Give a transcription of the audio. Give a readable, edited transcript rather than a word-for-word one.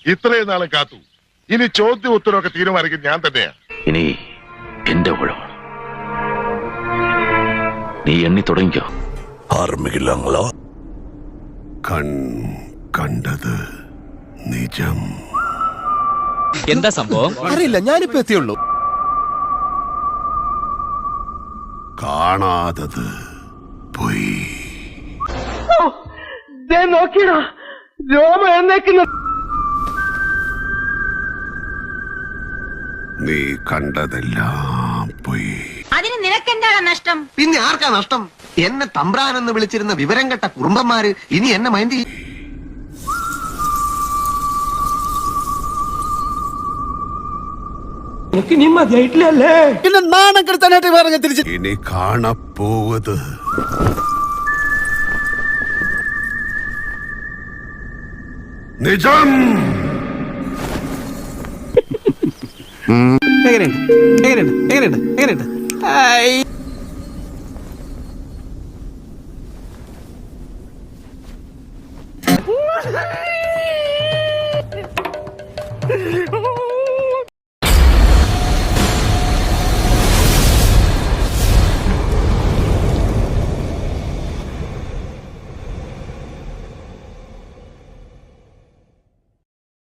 ഇത്രയും നാളും കാത്തു. ഇനി ചോദ്യം ഉത്തരവൊക്കെ തീരുമാനിക്കും ഞാൻ തന്നെയാ. ഇനി എന്റെ ഊഴമാണ്. നീ എണ്ണി തുടങ്ങിക്കോ. ആരംഭിക്കില്ലങ്ങളോ? കണ്ടത് നിജം. എന്താ സംഭവം അറിയില്ല, ഞാനിപ്പോ എത്തിയുള്ളൂ. കാണാതത് പോയി. നോക്കിയടാ രോമ എന്നേക്കുന്ന. നീ കണ്ടതെല്ലാം പോയി. അതിന് നിനക്കെന്താണ് നഷ്ടം? പിന്നെ ആർക്കാ നഷ്ടം? എന്നെ തമ്പ്രാനെന്ന് വിളിച്ചിരുന്ന വിവരം കെട്ട കുറുമ്പന്മാര് ഇനി എന്നെ മൈൻഡ് ചെയ്യും. പിന്നെ നാണം കെടുത്താനായിട്ട് വേറെ തിരിച്ചു. ഇനി കാണപ്പോവത് നിജം. എങ്ങനെയുണ്ട്?